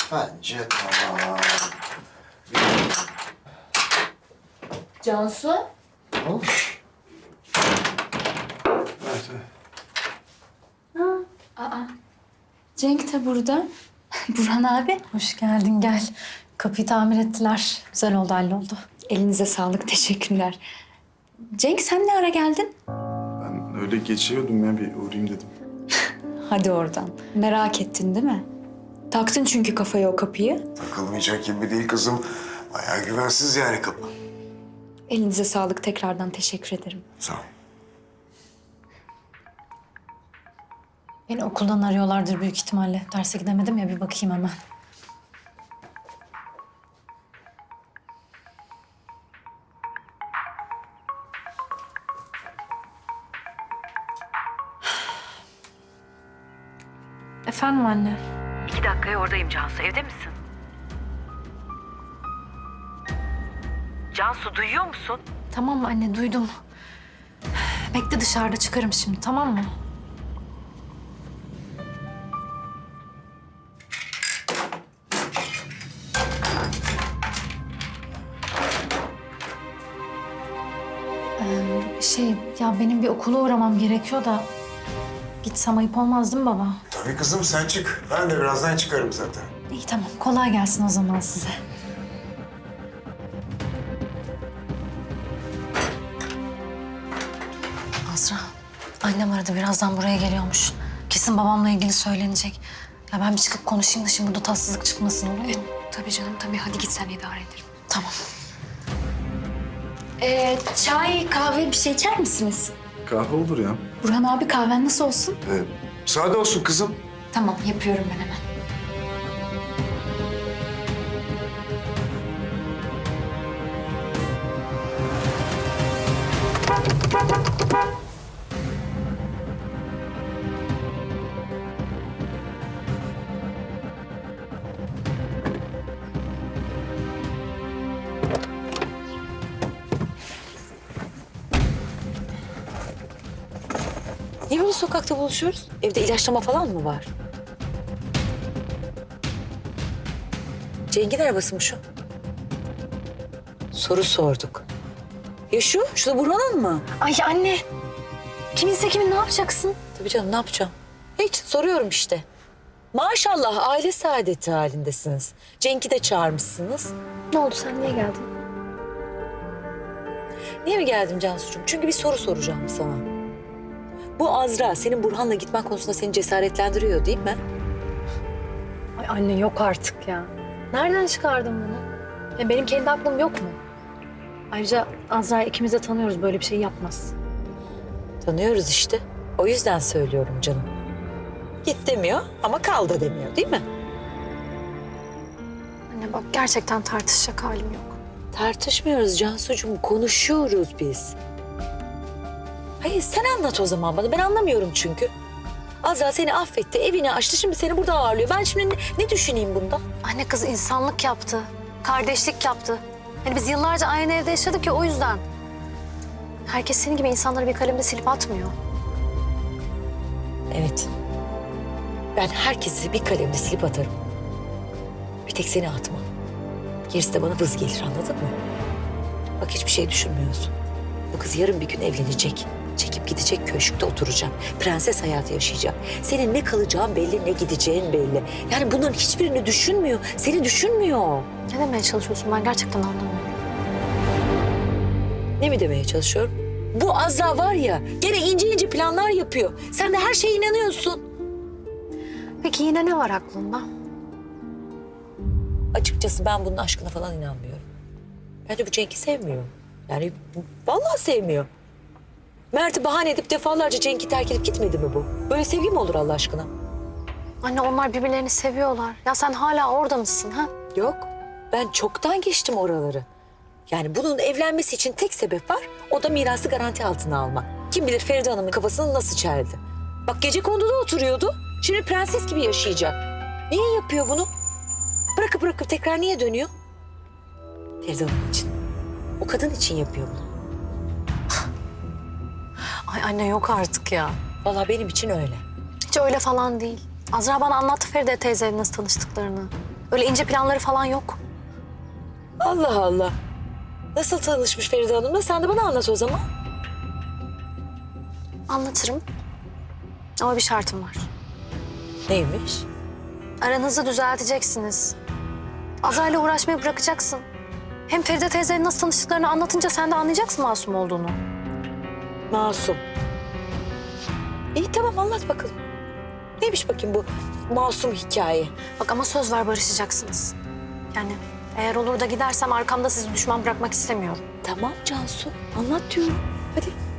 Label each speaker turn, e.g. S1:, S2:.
S1: Bence tamam.
S2: Cansu?
S1: Tamam. Evet.
S2: Cenk de burada. Burhan abi.
S3: Hoş geldin, gel. Kapıyı tamir ettiler. Güzel oldu, halloldu.
S2: Elinize sağlık, teşekkürler. Cenk sen ne ara geldin?
S4: Ben öyle geçiyordum ya, bir uğrayayım dedim.
S2: Hadi oradan. Merak ettin değil mi? Taktın çünkü kafaya o kapıyı.
S1: Takılmayacak gibi değil kızım. Bayağı güvensiz yani kapı.
S2: Elinize sağlık, tekrardan teşekkür ederim.
S1: Sağ ol.
S3: Beni okuldan arıyorlardır büyük ihtimalle. Derse gidemedim ya, bir bakayım hemen. Efendim anne?
S5: 2 dakikaya oradayım Cansu. Evde misin? Cansu duyuyor musun?
S3: Tamam anne, duydum. Bekle, dışarıda çıkarım şimdi, tamam mı? Ya benim bir okula uğramam gerekiyor da... Gitsem ayıp olmaz değil mi baba?
S1: Tabii kızım sen çık. Ben de birazdan çıkarım zaten.
S3: İyi tamam, kolay gelsin o zaman size. Azra, annem aradı, birazdan buraya geliyormuş. Kesin babamla ilgili söylenecek. Ya ben bir çıkıp konuşayım da şimdi burada tatsızlık çıkmasın, olur mu?
S2: Tabii canım, tabii. Hadi git sen, idare ederim.
S3: Tamam.
S2: Çay, kahve bir şey içer misiniz?
S4: Kahve olur ya.
S2: Burhan abi kahven nasıl olsun?
S1: Sade olsun kızım.
S2: Tamam, yapıyorum ben hemen.
S5: Niye böyle sokakta buluşuyoruz? Evde ilaçlama falan mı var? Cenk'in arabası mı şu? Soru sorduk. Ya şu da Burhan'ın mı?
S3: Ay anne, kiminse kimin ne yapacaksın?
S5: Tabii canım, ne yapacağım? Hiç, soruyorum işte. Maşallah aile saadeti halindesiniz. Cenk'i de çağırmışsınız.
S3: Ne oldu, sen niye geldin?
S5: Niye mi geldim Cansucuğum? Çünkü bir soru soracağım sana. Bu Azra senin Burhan'la gitmen konusunda seni cesaretlendiriyor değil mi?
S3: Ay anne, yok artık ya. Nereden çıkardın bunu? Ya benim kendi aklım yok mu? Ayrıca Azra'yı ikimiz de tanıyoruz, böyle bir şey yapmaz.
S5: Tanıyoruz işte. O yüzden söylüyorum canım. Git demiyor ama kal da demiyor değil mi?
S3: Anne bak, gerçekten tartışacak halim yok.
S5: Tartışmıyoruz Cansucuğum, konuşuyoruz biz. Hayır sen anlat o zaman bana, ben anlamıyorum çünkü. Azra seni affetti, evini açtı, şimdi seni burada ağırlıyor. Ben şimdi ne düşüneyim bundan?
S3: Anne, kız insanlık yaptı, kardeşlik yaptı. Hani biz yıllarca aynı evde yaşadık ya, o yüzden. Herkes senin gibi insanları bir kalemde silip atmıyor.
S5: Evet. Ben herkesi bir kalemle silip atarım. Bir tek seni atmam. Gerisi de bana vız gelir, anladın mı? Bak hiçbir şey düşünmüyorsun. Bu kız yarın bir gün evlenecek. Çekip gidecek, köşkte oturacak. Prenses hayatı yaşayacak. Senin ne kalacağın belli, ne gideceğin belli. Yani bunların hiçbirini düşünmüyor. Seni düşünmüyor.
S3: Ne demeye çalışıyorsun, ben gerçekten anlamıyorum.
S5: Ne mi demeye çalışıyorum? Bu Azra var ya, gene ince ince planlar yapıyor. Sen de her şeye inanıyorsun.
S3: Peki yine ne var aklında?
S5: Açıkçası ben bunun aşkına falan inanmıyorum. Bence bu Cenk'i sevmiyor. Yani vallahi sevmiyor. Mert'i bahane edip defalarca Cenk'i terk edip gitmedi mi bu? Böyle sevgi mi olur Allah aşkına?
S3: Anne, onlar birbirlerini seviyorlar. Ya sen hala orada mısın ha?
S5: Yok. Ben çoktan geçtim oraları. Yani bunun evlenmesi için tek sebep var. O da mirası garanti altına almak. Kim bilir Feride Hanım'ın kafasını nasıl çeldi. Bak gecekonduda oturuyordu. Şimdi prenses gibi yaşayacak. Niye yapıyor bunu? Bırakıp tekrar niye dönüyor? Feride Hanım için. O kadın için yapıyor bunu.
S3: Ay anne, yok artık ya.
S5: Vallahi benim için öyle.
S3: Hiç öyle falan değil. Azra bana anlattı Feride teyzeyle nasıl tanıştıklarını. Öyle ince planları falan yok.
S5: Allah Allah. Nasıl tanışmış Feride Hanım'la? Sen de bana anlat o zaman.
S3: Anlatırım. Ama bir şartım var.
S5: Neymiş?
S3: Aranızı düzelteceksiniz. Azra'yla uğraşmayı bırakacaksın. Hem Feride teyzeyle nasıl tanıştıklarını anlatınca sen de anlayacaksın masum olduğunu.
S5: Masum. İyi tamam anlat bakalım. Neymiş bakayım bu masum hikaye?
S3: Bak ama söz ver barışacaksınız. Yani eğer olur da gidersem arkamda sizi düşman bırakmak istemiyorum.
S5: Tamam Cansu anlat diyorum. Hadi.